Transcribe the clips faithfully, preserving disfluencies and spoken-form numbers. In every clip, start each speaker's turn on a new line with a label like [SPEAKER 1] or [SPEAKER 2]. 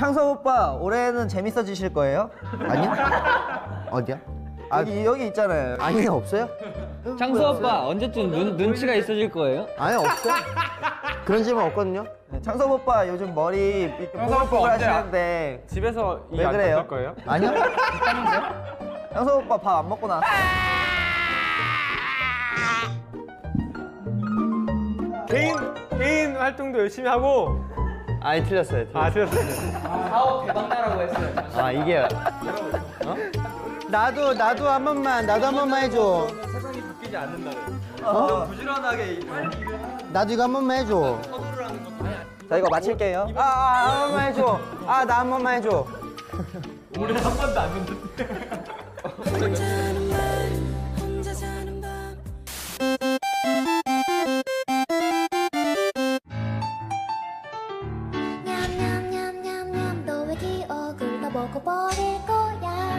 [SPEAKER 1] 창섭 오빠 올해는 재밌어지실 거예요?
[SPEAKER 2] 아니요? 어디야?
[SPEAKER 1] 아, 여기 여기 있잖아요.
[SPEAKER 2] 아니 없어요?
[SPEAKER 3] 창섭 오빠 언제쯤 눈, 눈치가 있어질 거예요?
[SPEAKER 2] 아니 없어요. 그런 질문 없거든요.
[SPEAKER 1] 네, 창섭 오빠 요즘 머리 이렇게 뽀글뽀글 하시는데
[SPEAKER 4] 집에서
[SPEAKER 1] 왜 그래요?
[SPEAKER 4] 거예요?
[SPEAKER 2] 아니요?
[SPEAKER 1] 창섭 오빠 밥 안 먹고 나왔어요.
[SPEAKER 4] 개인 개인 활동도 열심히 하고.
[SPEAKER 2] 아니 틀렸어요. 틀렸어요.
[SPEAKER 4] 아 틀렸어요.
[SPEAKER 3] 사업 대박나라고 했어요.
[SPEAKER 2] 아 이게 어? 나도 나도 한 번만 나도 한 번만 해줘.
[SPEAKER 3] 세상이 바뀌지 않는다는.
[SPEAKER 1] 어? 부지런하게
[SPEAKER 2] 나도 이거 한 번만 해줘.
[SPEAKER 1] 자 이거 마칠게요.
[SPEAKER 2] 아, 아, 한 번만 해줘. 아, 나 한 번만 해줘.
[SPEAKER 4] 우리 한 번도 안 듣는데.
[SPEAKER 5] 혼자 사는 밤 냠냠냠냠냠 너의 기억을 다 먹어버릴 거야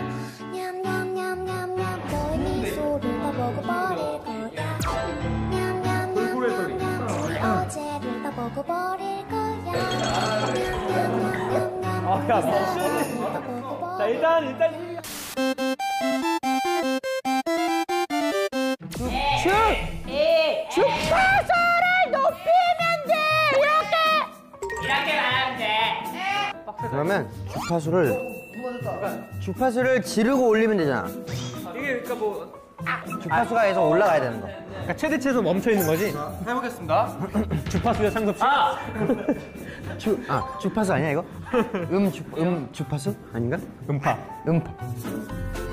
[SPEAKER 5] 냠냠냠냠냠 너의 미소를 다 먹어버릴 거야 냠냠냠냠냠 너의 어제를 다 먹어버릴 거야 냠냠냠냠냠
[SPEAKER 4] 아, 야, 자 일단 일단.
[SPEAKER 5] 주파수를 높이면 돼 이렇게
[SPEAKER 3] 이렇게 말하면 돼.
[SPEAKER 2] 그러면 주파수를 주파수를 지르고 올리면 되잖아.
[SPEAKER 4] 이게 그러니까 뭐
[SPEAKER 2] 주파수가 계속 올라가야 되는 거.
[SPEAKER 4] 그러니까 최대치에서 멈춰 있는 거지. 해보겠습니다. 주파수의 상섭 씨.
[SPEAKER 3] 아!
[SPEAKER 2] 주, 아, 주파수 아니야 이거? 음, 주, 음 주파수? 아닌가?
[SPEAKER 4] 음파.
[SPEAKER 2] 음파.